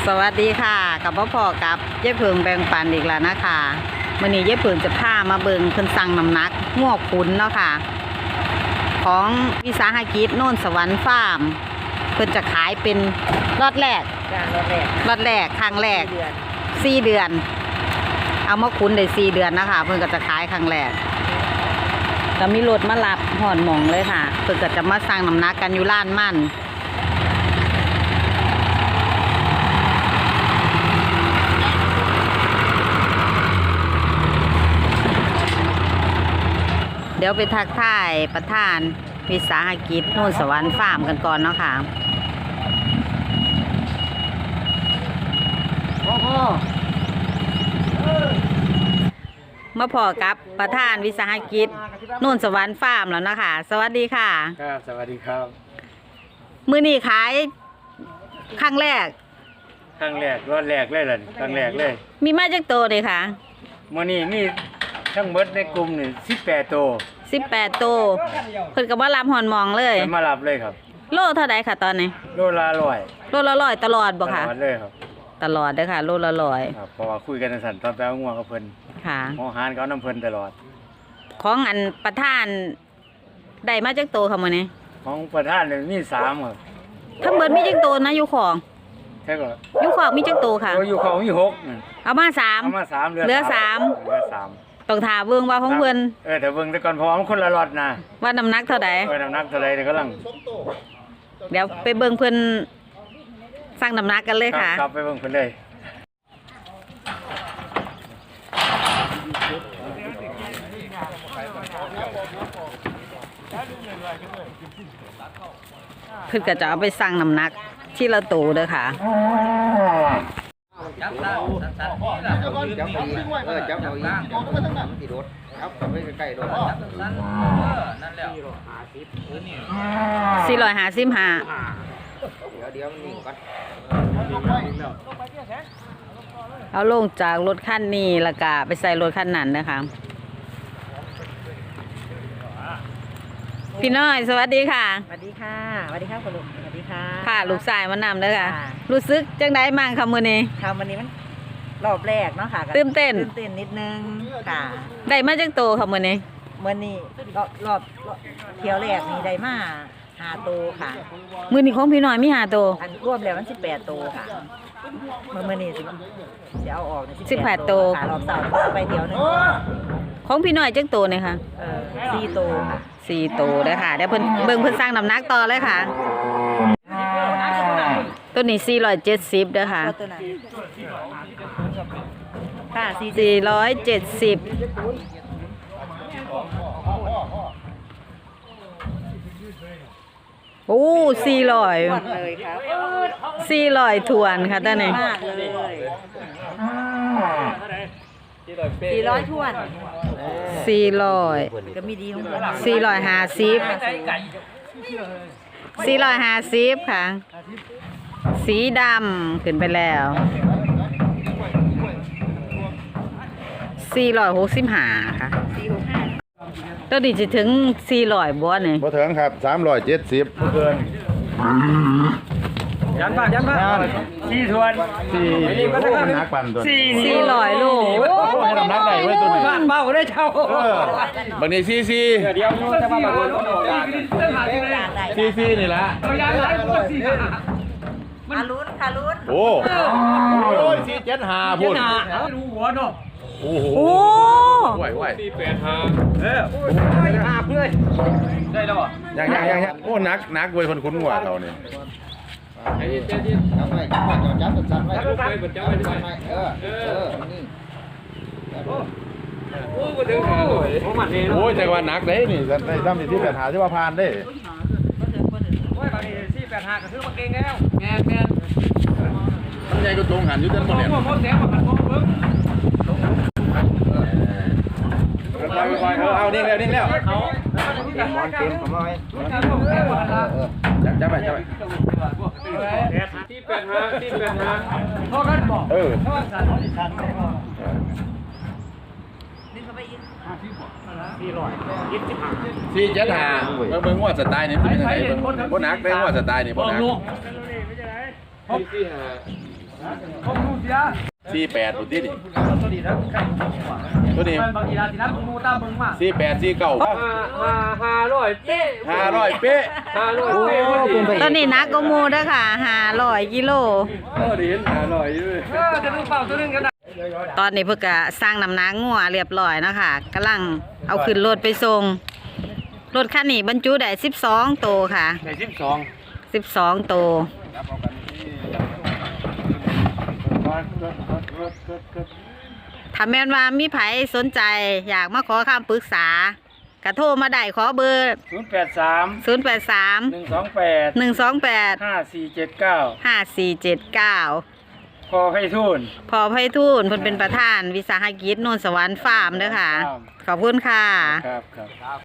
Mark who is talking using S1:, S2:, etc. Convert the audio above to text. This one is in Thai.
S1: สวัสดีค่ะกับพ่อกับเย้เพิงแบ่งปันอีกแล้วนะคะมื่อนี้เย้เพิงจะพามาเบิงเพิ่นสั่งน้ำหนักงวกขุนเนาะค่ะของวิสาหกิจโน่นสวรรค์ฟาร์มเพิ่นจะขายเป็นรอดแรกครั้งแรก4 เดือนเอามาขุนได้4 เดือนนะคะเพิ่นก็จะขายครั้งแรกก็มีรถมารับหอดหมองเลยค่ะเพิ่นก็จะมาสั่งน้ำหนักกันอยู่ร้านมั่นเดี๋ยวไปทักทายประธานวิสาหกิจโน่นสวรรค์ฟาร์มกันก่อนเนาะค่ะมาพอกับประธานวิสาหกิจโน่นสวรรค์ฟาร์มแล้วนะคะสวัสดีค่ะ
S2: ครับสวัสดีครับ
S1: มื้อนี้ขายครั้งแรก
S2: รอดแรกเลยล่ะครั้งแรกเลย
S1: มีมาจากโตเลยค่ะ
S2: มื้อนี้มีทั้งหมดในกลุ่มนี่18 ตัว
S1: 18 ตัวเพิ่นก็มารับหอนมองเลย
S2: มารับเลยครับ
S1: โลเท่าใดค่ะตอนนี้
S2: โลละ100
S1: โลละ100ตลอดบ่ค่ะ
S2: ตลอดเลยครับ
S1: ตลอดเด้อค่ะโลละ100
S2: ครับเพราะว่าคุยกันสั่นตอนไปเอางัวกับเพิ่น
S1: ค่ะ
S2: หอหารเขาน้ำเพิ่นตลอด
S1: ของอันประธานได้มาจากโตค่ะมื้อนี้
S2: ของประธานนี่มี3ครับ
S1: ทั้งเบิดมีจักโตนะอยู่ของ
S2: ใช่ก็
S1: อยู่ของมีจักโตค่ะ
S2: อยู่ของมี6
S1: เอามา3เหลือ3ต้องถามเบิ่งว่าของเพิ่น
S2: แต่เบิ่งแต่ก่อนเพราะว่ามันคนละล็อตนะ
S1: ว่าน้ำหนักเท่าใด
S2: น้ำหนักเท่าใดเดี๋ยวกำลัง
S1: เดี๋ยวไปเบิ่งเพิ่นสั่งน้ำหนักกันเลยค่ะ
S2: ครับไปเบิ่งเพิ่นเลย
S1: เพิ่นก็จะเอาไปสั่งน้ำหนักที่ละโตเด้อค่ะ
S3: จับได้จับไปจับไปที่รถจับไปใกล้ๆรถจับสั้นนั่นแล้ว
S1: 455
S3: เดี๋ยวมันนิ่งก่อน
S1: เอาลงจากรถคันนี้แล้วก็ไปใส่รถคันนั้นนะคะพี่น้อยสวัสดีค่ะ
S4: สวัสดีค่ะสวัสดีค่ะคุณลุงสวัสดีค่ะ
S1: ค่ะลูกชายมานำเด้อค่ะรู้สึกจังได๋มั่งค่ะมื้อนี้
S4: ค่ะวันนี้มันรอบแรกเนาะค่ะ
S1: ตื่นเต้น
S4: นิดนึงค่ะ
S1: ได้มาจักโตค่ะมื้อนี้
S4: รอบเที่ยวแรกนี่ได้มา5 ตัวค่ะ
S1: มื้อนี้ของพี่น้อยมี5 ตัว
S4: อันรวมแล้วมัน18 ตัวค่ะมื้อนี้สิเอาออก
S1: 18 ตัว
S4: ค่ะรอบ2ไปเที่ยวนึง
S1: ของพี่น้อยจักโตนี่ค่ะ
S4: 4 ตัวค่ะ
S1: 4 ตัวเด้อค่ะเดี๋ยวเพิ่นสร้างน้ำหนักต่อเลยค่ะตัวนี้470เด้อค่ะ
S4: ค่ะ
S1: 470โอ้400
S4: เลยครับ
S1: 400ทวนค่ะตอนนี้
S4: มากเลย400ทวน
S1: 400
S4: ก็มีดีของมัน
S1: 450ค่ะสีดำขึ้นไปแล้ว465ค่ะตัวนี้จะถึง400บ่นี่
S3: บ่ถึงครับ370
S2: บ่เกินยันบ้าน4 ทวน
S3: 4มันนักปั่นตัว
S1: 400 โล
S3: น้ำหนักได้เว้ยตัวนี้
S2: เบาได้เช่า
S3: บางทีซี
S2: เดี๋ยวจะมาแบบ
S3: ซีนี่ละ
S4: ลุ้น
S3: โอ้ย475พุ่น
S2: ดูหัวเนาะ
S3: โอ้โหไหว
S2: 4855เพื่อนได้แล้ว
S3: ยังโอ้นักเว้ยคนคุ้นกว่าเราเนี่ยจับไว้สั่นไว้นี่โอ้ยแต่ว่านักเด้นี่ได้ซ้ำที่8หาที่ว่าผ่านเด้
S2: โอ้ยบางที485ก็ซื้อมาเก่งแล้วแม่น
S3: มันใหญ่ก็ตรงหันอยู่เต็มหมดเลยเอานิ่งแล้วเขามอนเกมของเราจับไป
S2: พ่อกันบอก
S3: 475เบิ่งว่าสไตล์นี่เป็นยังไงบ่นักได้ว่าสไตล์นี่บ่นัก
S2: ผมดูเสีย
S5: 48ตัวนี้ดิ
S2: ตัวนี้นะ
S5: ตัวนี้
S2: บางทีนะผมดูตามเบิ่งมา
S5: 48 49
S2: 500เป๊ะ
S5: 500เป๊ะ
S2: 500เป๊ะพอดี
S1: ตัวนี้นักก็มูเด้อค่ะ500กิโล
S2: ดี500อยู่จะดูเปล่าตัวนึงกันนะ
S1: ตอนนี้เพิ่นก็สร้างน้ำหนักงัวเรียบร้อยแล้วค่ะกำลังเอาขึ้นรถไปส่งรถคันนี้บรรจุได้12โตวค่ะ
S2: ใน
S1: 12
S2: 12
S1: โตวถ้าแม่นว่ามีไผสนใจอยากมาขอคำปรึกษากระโทรมาได้ขอเบอร์
S2: 083
S1: 083
S2: 128
S1: 128 5479
S2: พอให้ทุน
S1: พอไพฑูรย์เพิ่นเป็นประธานวิสาหกิจโนนสวรรค์ฟาร์มเด้อค่ะ ขอบคุณค่ะ
S2: ครับ